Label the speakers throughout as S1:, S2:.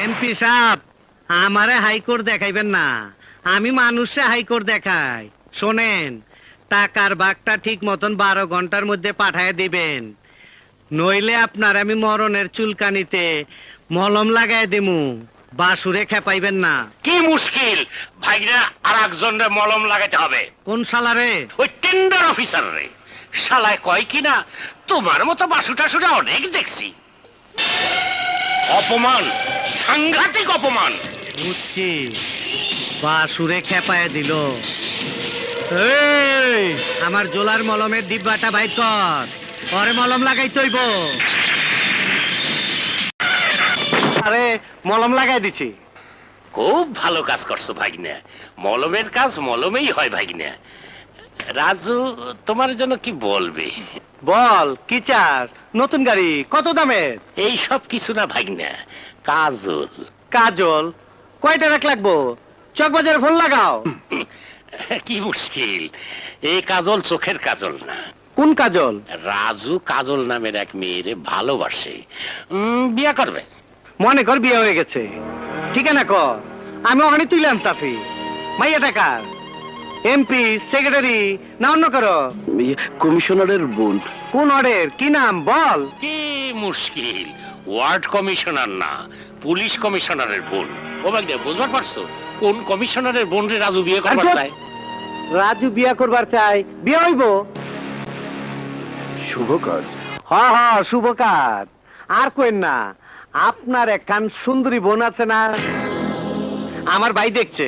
S1: MP সাহেব, আমারে high court দেখাইবেন না, আমি মানুষে হাইকোর্ট দেখাই। শোনেন, টাকার বাগটা ঠিক মতন 12 ঘন্টার মধ্যে পাঠায় দিবেন, নইলে আপনার আমি মরণের চুলকানিতে মলম লাগাই দিমু। বাসুরে খেপাইবেন না।
S2: কি মুশকিল ভাইরা, আর একজনের মলম লাগাতে হবে।
S1: কোন শালারে?
S2: ওই টেন্ডার অফিসার রে। শালায় কয় কিনা তোমার মতো বাসু টাসুরা অনেক দেখছি। অপমান, সাংঘাতিক অপমান।
S1: বুঝছি, বাসুরে খেপায় দিল। এই, আমার জোলার মলমের ডিব্বাটা বাইর কর, পরে মলম লাগাই তৈব। আরে মলম লাগাই দিছি।
S2: খুব ভালো কাজ করছো ভাগিনা, মলমের কাজ মলমেই হয় ভাগিনা। রাজু তোমার জন্য কি বলবে?
S1: বল, কি চাস? নতুন গাড়ি? কত দামের?
S2: এই সব কিছু না ভাগিনা, কাজল।
S1: কাজল? কয়টা রাখ লাগবো? চকবাজারে ফোন লাগাও।
S2: কি মুশকিল, এই কাজল চোখের কাজল না।
S1: কোন কাজল?
S2: রাজু কাজল নামের এক মেয়েরে ভালোবাসে, বিয়ে করবে।
S1: মনে কর বিয়ে হয়ে গেছে, ঠিকানা কর, আমি ওখানে তুলে আনতাছি। মাইয়া টাকার এমপি, সেক্রেটারি না অন্য করো?
S3: কমিশনারের বোন।
S1: কোন অর্ডার? কি নাম বল?
S2: কি মুশকিল, ওয়ার্ড কমিশনার না, পুলিশ কমিশনারের বোন। ও ভাগ্যে বুঝবার পারছো কোন কমিশনারের বোন রে রাজু বিয়ে করবার চায়?
S1: রাজু বিয়ে করবার চাই, বিয়ে হইব।
S3: শুভ কাজ।
S1: হ হ, শুভ কাজ। আর কইন না, আপনার একখান সুন্দরী বোন আছে না, আমার ভাই দেখছে,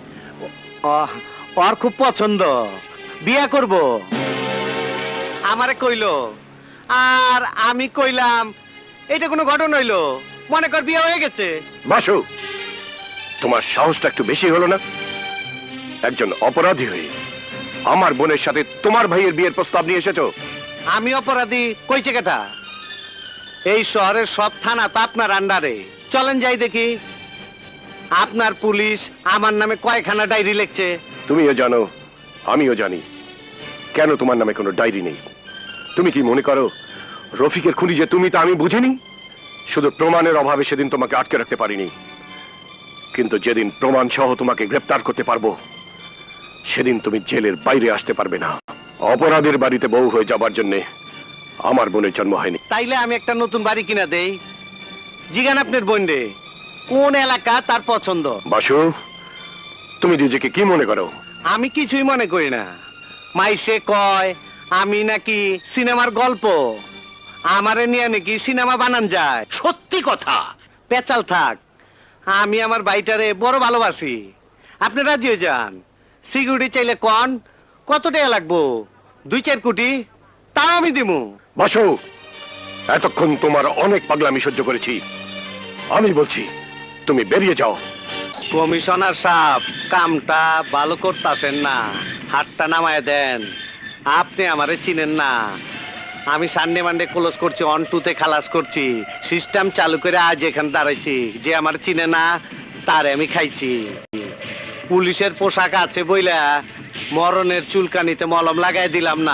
S1: ওর খুব পছন্দ, বিয়ে করব। আমারে কইলো, আর আমি কইলাম, এটা কোনো ঘটনা হইলো? মনে কর বিয়ে হয়ে গেছে।
S3: বাসু, তোমার সাহসটা একটু বেশি হলো না? একজন অপরাধী হয়ে আমার বোনের সাথে তোমার ভাইয়ের বিয়ের প্রস্তাব নিয়ে এসেছো।
S1: আমি অপরাধী কইছে কেটা? এই শহরের সব থানা তো আপনার আন্ডারে, চলেন যাই দেখি। আপনার পুলিশ আমার নামে কয়খানা ডায়েরি লিখছে।
S3: তুমিও জানো, আমিও জানি, কেন তোমার নামে কোনো ডায়েরি নেই। তুমি কি মনে করো রফিকের খুনি যে তুমি, তা আমি বুঝিনি? শুধু প্রমাণের অভাবে সেদিন তোমাকে আটকে রাখতে পারিনি, কিন্তু যেদিন প্রমাণ সহ তোমাকে গ্রেফতার করতে পারবো, সেদিন তুমি জেলের বাইরে আসতে পারবে না। অপরাধের বাড়িতে বউ হয়ে যাবার জন্য আমার বোনের জন্ম হয়নি।
S1: তাইলে আমি একটা নতুন বাড়ি কিনা দেই। জিগান আপনার বোন রে, কোন এলাকা তার পছন্দ।
S3: বাসু, তুমি নিজেকে কি মনে করো?
S1: আমি কিছুই মনে করি না। মাইসে কয় আমি নাকি সিনেমার গল্প, আমারে নিয়ে নাকি সিনেমা বানান যায়।
S2: সত্যি কথা।
S1: পেচাল থাক, আমি আমার বাইটারে বড় ভালোবাসি। আপনি রাজি হয়ে যান। সিকিউরিটি চাইলে কন, কত টাকা লাগবো? 2-4 কোটি, তাও আমি দিমু।
S3: বাসু, এতক্ষণ তোমার অনেক পাগলামি সহ্য করেছি, আমি বলছি তুমি বেরিয়ে যাও।
S1: কমিশনার সাহেব, কামটা ভালো করতেছেন না, হাতটা নামায় দেন। আপনি আমারে চিনেন না, আমি সানডে মানডে ক্লোজ করছি, 1-2 খালাস করছি, সিস্টেম চালু করে আজ এখানে দাঁড়াইছি। যে আমার চিনে না তারে আমি খাইছি। পুলিশের পোশাক আছে বইলা মরণের চুলকানিতে মলম লাগাই দিলাম না।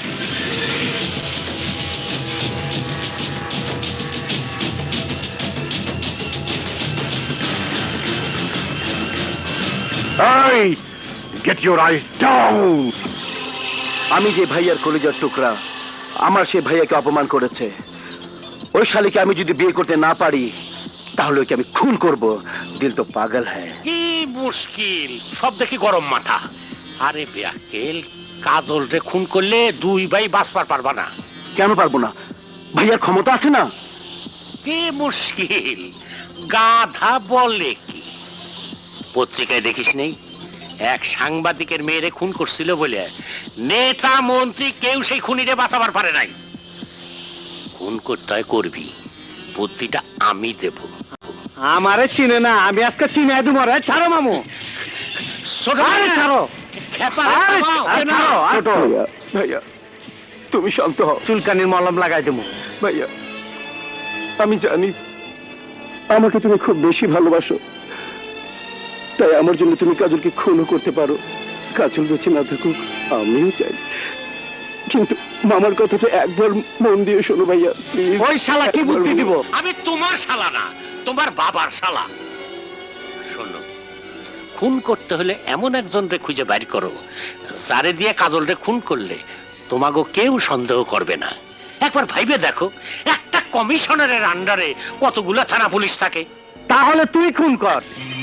S3: Hey, get your eyes down!
S4: আমি যে ভাইয়ার কলিজার টুকরা, আমার সে ভাইয়াকে অপমান করেছে। ওই শালীকে আমি যদি বিয়ে করতে না পারি, তাহলে ওকে আমি খুন করব। দিল তো পাগল হ্যায়।
S2: কি মুশকিল, সব দেখি গরম মাথা। আরে বেয়াকেল, কাজল রে খুন করলে 2 ভাই বাঁচবার পারবা না।
S4: কেন পারবো না? ভাইয়ার ক্ষমতা আছে না?
S2: কি মুশকিল, গাধা বলে কি? পত্রিকায় দেখিস নেই, এক সাংবাদিকের মেয়েরে খুন করছিল বলে নেতা মন্ত্রী কেউ সেই খুনিরে বাঁচাবার পারে নাই। খুন করতে হয় করবি, বুদ্ধিটা আমি দেব।
S1: আমারে চিনে না, আমি আজকে চিনে দেবো রে। ছাড়ো মামু, আরে ছাড়ো।
S4: ছোট ভাইয়া, তুমি শান্ত হও।
S1: চুলকানির মলম লাগাই দেবো।
S4: ভাইয়া, আমি জানি আমাকে তুমি খুব বেশি ভালোবাসো, তাই আমার জন্য তুমি কাজলকে খুনও করতে পারো। কাজল বেঁচে না থাকুক আমিও চাই, কিন্তু মামার কথাটা একবার মন দিয়ে শোনো ভাইয়া।
S1: ওই শালা কি বুদ্ধি দিব?
S2: আমি তোমার শালা না, তোমার বাবার শালা। শোনো, খুন করতে হলে এমন একজন রে খুঁজে বাইর করো যারে দিয়ে কাজল রে খুন করলে তোমাকে কেউ সন্দেহ করবে না। একবার ভাইবে দেখো, একটা কমিশনারের আন্ডারে কতগুলা থানা পুলিশ থাকে।
S1: তাহলে তুই খুন কর।